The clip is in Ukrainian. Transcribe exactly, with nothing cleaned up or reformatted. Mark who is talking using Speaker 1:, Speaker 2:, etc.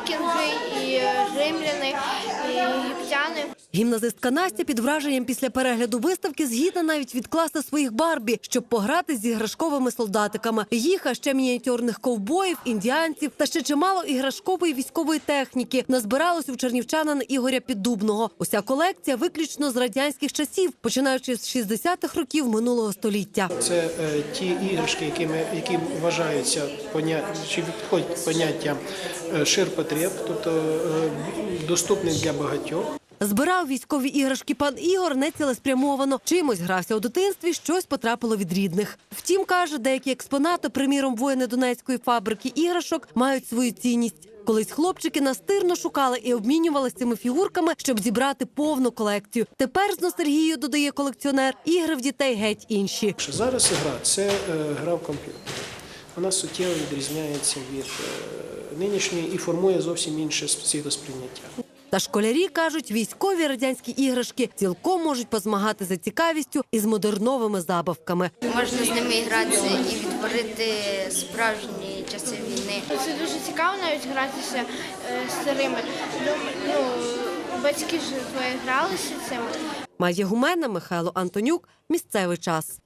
Speaker 1: вікінги, і римляни, і єгиптяни.
Speaker 2: Гімназистка Настя під враженням після перегляду виставки згідна навіть відкласти своїх Барбі, щоб пограти з іграшковими солдатиками. Їх, а ще мініатюрних ковбоїв, індіанців та ще чимало іграшкової військової техніки назбиралось у чернівчанина Ігоря Піддубного. Уся колекція виключно з радянських часів, починаючи з шістдесятих років минулого століття.
Speaker 3: Це е, ті іграшки, які, ми, які вважаються поня... чи підходять поняття е, ширпотреб, тобто е, доступних для багатьох.
Speaker 2: Збирав військові іграшки пан Ігор нецілеспрямовано. Чимось грався у дитинстві, щось потрапило від рідних. Втім, каже, деякі експонати, приміром, воїни Донецької фабрики іграшок, мають свою цінність. Колись хлопчики настирно шукали і обмінювалися цими фігурками, щоб зібрати повну колекцію. Тепер з ностальгією, додає колекціонер, ігри в дітей геть інші.
Speaker 3: Зараз гра – це е, гра в комп'ютер. Вона суттєво відрізняється від е, нинішньої і формує зовсім інше світосприйняття.
Speaker 2: Та школярі кажуть, військові радянські іграшки цілком можуть позмагати за цікавістю із модерновими забавками.
Speaker 4: Можна з ними гратися і відтворити справжні часи війни.
Speaker 1: Це дуже цікаво навіть гратися е, з старими. Ну, ну, батьки ж твої гралися цим.
Speaker 2: Майя Гумена, Михайло Антонюк. Місцевий час.